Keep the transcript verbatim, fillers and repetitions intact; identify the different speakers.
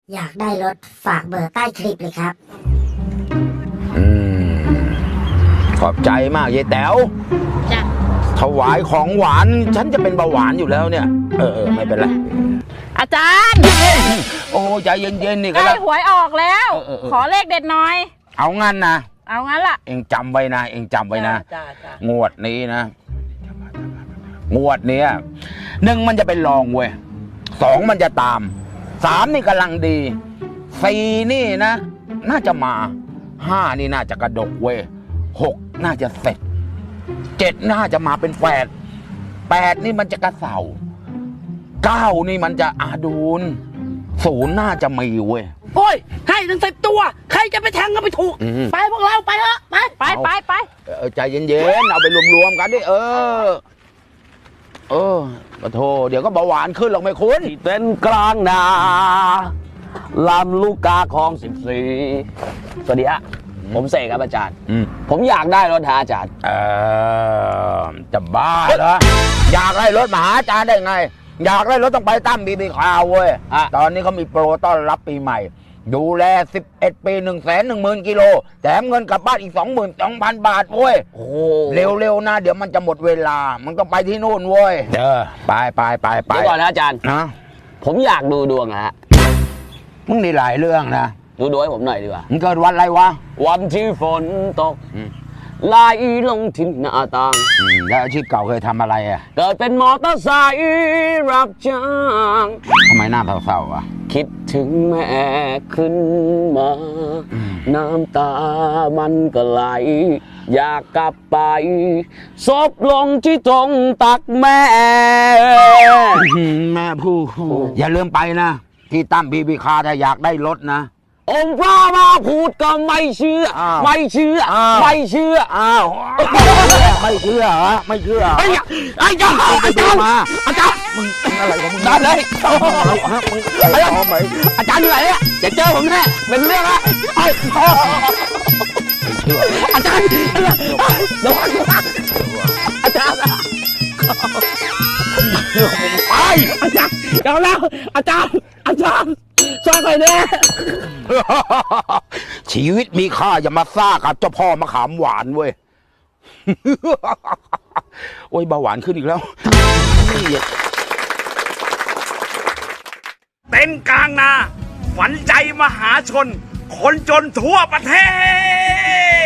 Speaker 1: อยากได้รถฝากเบอร์ใต้คลิปเลยครับ
Speaker 2: อืมขอบใจมากยายแต๋ว
Speaker 3: จ้ะ
Speaker 2: ถวายของหวานฉันจะเป็นเบาหวานอยู่แล้วเนี่ยเออเออไม่เป็นไร
Speaker 3: อาจารย์
Speaker 2: โอ้ใจเย็นๆนี่
Speaker 3: ใก
Speaker 2: ก็
Speaker 3: ล้
Speaker 2: แล้ว
Speaker 3: หวยออกแล้ว
Speaker 2: เออเออ
Speaker 3: ขอเลขเด็ดหน่อย
Speaker 2: เอางั้นนะ
Speaker 3: เอางั้นล่ะ
Speaker 2: เองจำไว้นะเองจำไว้นะ
Speaker 3: จ้าจ้า
Speaker 2: งวดนี้นะงวดเนี้ยหนึ่งมันจะเป็นรองเว้ยสองมันจะตามสามนี่กำลังดีสี่นี่นะน่าจะมาห้านี่น่าจะกระดกเว้ยหกน่าจะเสร็จเจ็ดน่าจะมาเป็นแปดแปดนี่มันจะกระเสาเก้านี่มันจะอาดูนศูนย์น่าจะมีเว้ย
Speaker 4: โอ้ยให้ทั้งสิบตัวใครจะไปแทงก็ไปถูก
Speaker 2: อืม
Speaker 4: ไปพวกเราไปเถอะไป
Speaker 3: ไปไปไป
Speaker 2: เออใจเย็นๆเอาไปรวมๆกันดิเออเออปะโทเดี๋ยวก็เบาหวานขึ้นหรอกไม่คุณ
Speaker 4: ที่เต้นกลางนาลำลูกกาคลองสิบสี่สวัสดีฮะผมเสกครับอาจารย์
Speaker 2: อืม
Speaker 4: ผมอยากได้รถหาอาจารย์
Speaker 2: เออจะบ้าเหรออยากได้รถมาหาอาจารย์ได้ไง อยากได้รถต้องไปตั้มบีบีคาวเว้ย
Speaker 4: อ่ะ
Speaker 2: ตอนนี้เขามีโปรต้อนรับปีใหม่ ดูแลสิบเอ็ดปีหนึ่งแสนหนึ่งหมื่นกิโลแถมเงินกลับบ้านอีกสองหมื่นสองพันบาทเว้ย
Speaker 4: โอ้
Speaker 2: เร็วๆนะ เดี๋ยวมันจะหมดเวลา มันต้องไปที่นู่นเว้ยเออไปไปไปไป
Speaker 4: เดี๋ยวก่อนนะอาจารย์
Speaker 2: นะ
Speaker 4: ผมอยากดูดวงนะฮะ
Speaker 2: มึงนี่หลายเรื่องนะ
Speaker 4: ดูดวงให้ผมหน่อยดีกว่า
Speaker 2: มึงเกิดวันอะไรวะ
Speaker 4: วันที่ฝนตก
Speaker 2: อืม
Speaker 4: ไหลลงที่หน้าต่าง
Speaker 2: อืมแล้วอาชีพเก่าเคยทำอะไรอ่ะ
Speaker 4: เกิดเป็นมอเตอร์ไซค์รับจ้าง
Speaker 2: ทำไมหน้าเศร้าๆอ่ะ
Speaker 4: คิดถึงแม่ขึ้นมา
Speaker 2: อืม
Speaker 4: น้ำตามันก็ไหล อยากกลับไปซบลงที่ตรงตักแม่
Speaker 2: อืมแม่ผู้อย่าลืมไปนะ ที่ตั้มบีบีคาถ้าอยากได้รถนะ
Speaker 4: องค์พระมาพูดก็ไม่เชื่อ
Speaker 2: อ้าว
Speaker 4: ไม่เชื่อ
Speaker 2: อ้าว
Speaker 4: ไม่เชื่อ
Speaker 2: อ้าว ไม่เชื่อเหรอไม่เชื่อ
Speaker 4: ไอ้ยไอ้เจ้า
Speaker 2: ไป
Speaker 4: อา
Speaker 2: ดู
Speaker 4: จารย์
Speaker 2: มา
Speaker 4: อาจารย์
Speaker 2: มึงอะไรของมึง
Speaker 4: ได้เลย
Speaker 2: อะไรฮะมึงอะไรของมึง
Speaker 4: อาจารย์อยู่ไหนเนี่ยเดี๋ยวเจอผมแน่เป็นเรื่องละไอ้ย
Speaker 2: ไม่เชื่อ
Speaker 4: อาจารย์เดี๋ยวอาจารย์
Speaker 2: ไป
Speaker 4: อาจารย์เดี๋ยวแล้วอาจารย์อาจารย์ช่วยหน่อยแน่
Speaker 2: ชีวิตมีค่าอย่ามาซ่ากับเจ้าพ่อมะขามหวานเว้ย โอ้ยเบาหวานขึ้นอีกแล้ว
Speaker 5: เต็นท์กลางนา ฝันใจมหาชน คนจนทั่วประเทศ